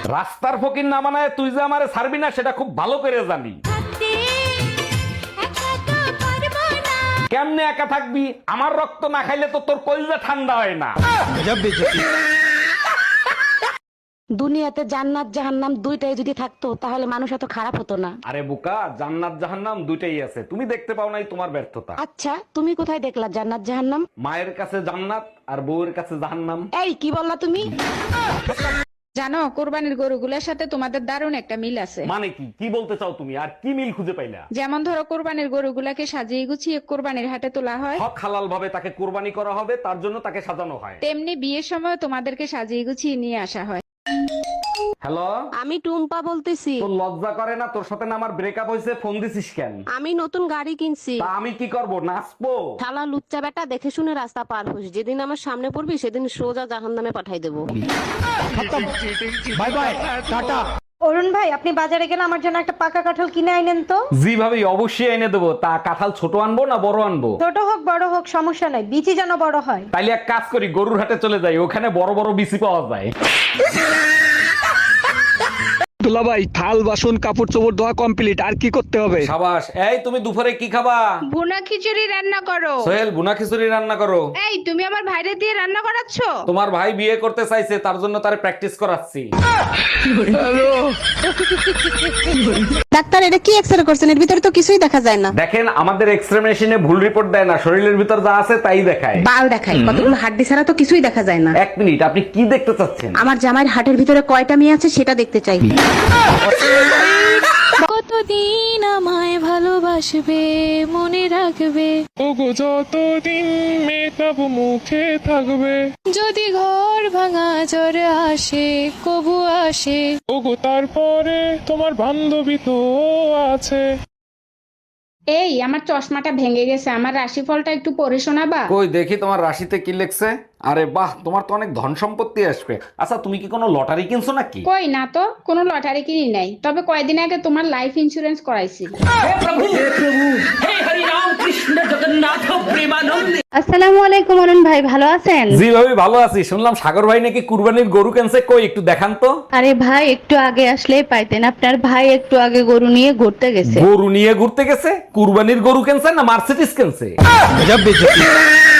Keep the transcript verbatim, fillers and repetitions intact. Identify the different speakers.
Speaker 1: রাস্তার ফকির না মানায় তুই যে আমারে ছাড়বি না সেটা খুব ভালো করে জানি। কেমনে একা থাকবি? আমার রক্ত না খাইলে তো তোর কলিজা ঠান্ডা হয় না।
Speaker 2: দুনিয়াতে জান্নাত জাহান্নাম দুইটাই যদি থাকতো তাহলে মানুষ এত খারাপ হতো না।
Speaker 1: আরে বোকা, জান্নাত জাহান্নাম দুইটাই আছে, তুমি দেখতে পাও নাই, তোমার ব্যর্থতা।
Speaker 2: আচ্ছা, তুমি কোথায় দেখলা জান্নাত জাহান্নাম?
Speaker 1: মায়ের কাছে জান্নাত আর বউয়ের কাছে জাহান্নাম।
Speaker 2: এই কি বললা তুমি?
Speaker 3: জানো কোরবানির গরুগুলোর সাথে তোমাদের দারুণ একটা মিল আছে।
Speaker 1: মানে কি? কি বলতে চাও তুমি? আর কি মিল খুঁজে পাইলা?
Speaker 3: যেমন ধরো কোরবানির গরুগুলাকে সাজিয়ে গুছিয়ে কোরবানির হাটে তোলা হয়,
Speaker 1: হক হালাল ভাবে তাকে কোরবানি করা হবে, তার জন্য তাকে সাজানো হয়।
Speaker 3: তেমনি বিয়ের সময় তোমাদেরকে সাজিয়ে গুছিয়ে নিয়ে আসা হয়।
Speaker 1: হ্যালো,
Speaker 2: আমি টুম্পা বলতেছি।
Speaker 1: তোর লজ্জা করে না? তোর সাথে না আমার ব্রেকআপ হয়েছে, ফোন দিছিস কেন?
Speaker 2: আমি নতুন গাড়ি কিনছি।
Speaker 1: তা আমি কি করব, নাচবো?
Speaker 2: শালা লুচ্চা বেটা, দেখে শুনে রাস্তা পার হোস, যেদিন আমার সামনে পড়বি সেদিন সোজা জাহান্নামে পাঠাই দেবো।
Speaker 1: Bye bye, tata.
Speaker 4: অরুণ ভাই, আপনি বাজারে গেলে আমার জন্য একটা পাকা কাঁঠাল কিনে আইনেন তো।
Speaker 1: জি ভাবি, অবশ্যই এনে দেবো। তা কাঁঠাল ছোট আনবো না বড় আনবো?
Speaker 4: ছোট হোক বড় হোক সমস্যা নাই, বিচি যেন বড় হয়।
Speaker 1: তাইলে এক কাজ করি, গরুর হাটে চলে যাই, ওখানে বড় বড় বিচি পাওয়া যায়।
Speaker 5: দুলাভাই, থাল বাসন কাপড় চোপড় ধোয়া কমপ্লিট, আর কি করতে হবে?
Speaker 1: সাবাস। এই তুমি দুপুরে কি খাবা?
Speaker 3: ভুনা খিচুড়ি রান্না করো।
Speaker 1: সোহেল, বুনা খিচুড়ি রান্না করো।
Speaker 3: এই তুমি আমার ভাইরে দিয়ে রান্না করাচ্ছ?
Speaker 1: তোমার ভাই বিয়ে করতে চাইছে, তার জন্য তারে প্র্যাকটিস করাচ্ছি।
Speaker 2: ডাক্তার, এটা কি এক্সরে করছেন? এর ভিতরে তো কিছুই দেখা যায় না।
Speaker 1: দেখেন, আমাদের এক্সরে মেশিনে ভুল রিপোর্ট দেয় না, শরীরের ভিতর যা আছে তাই দেখায়।
Speaker 2: বাল দেখায়, কতগুলো হাড্ডি ছাড়া তো কিছুই দেখা যায় না।
Speaker 1: এক মিনিট, আপনি কি দেখতে চাচ্ছেন?
Speaker 2: আমার জামাইয়ের হাটের ভিতরে কয়টা মেয়ে আছে সেটা দেখতে চাই।
Speaker 6: কতদিন আমায় ভালোবাসবে, মনে রাখবে,
Speaker 7: ওগো যতদিন মেটাবো মুখে থাকবে,
Speaker 6: যদি ঘর ভাঙা জ্বর আসে, কবু আসে।
Speaker 7: ওগো তারপরে তোমার বান্ধবী তো আছে।
Speaker 3: এই আমার চশমাটা ভেঙে গেছে, আমার রাশিফলটা একটু পড়ে শোনাবা?
Speaker 1: কই দেখি তোমার রাশিতে কি লেখছে। আরে বাহ, তোমার তো অনেক ধন সম্পত্তি আসবে। আচ্ছা, তুমি কি কোনো লটারি কিনছো নাকি?
Speaker 3: কই না তো, কোনো লটারি কিনি নাই, তবে কয়দিন আগে তোমার লাইফ ইন্সুরেন্স করাইছি।
Speaker 4: আসসালামু আলাইকুম অরুণ ভাই, ভালো আছেন?
Speaker 1: জি ভাবি, ভালো আছি। শুনলাম সাগর ভাই নাকি কুরবানির গরু কিনছে, কই একটু দেখান তো।
Speaker 4: আরে ভাই, একটু আগে আসলেই পাইতেন, আপনার ভাই একটু আগে গরু নিয়ে ঘুরতে গেছে।
Speaker 1: গরু নিয়ে ঘুরতে গেছে? কুরবানির গরু কিনছে না মার্সিডিজ কিনছে?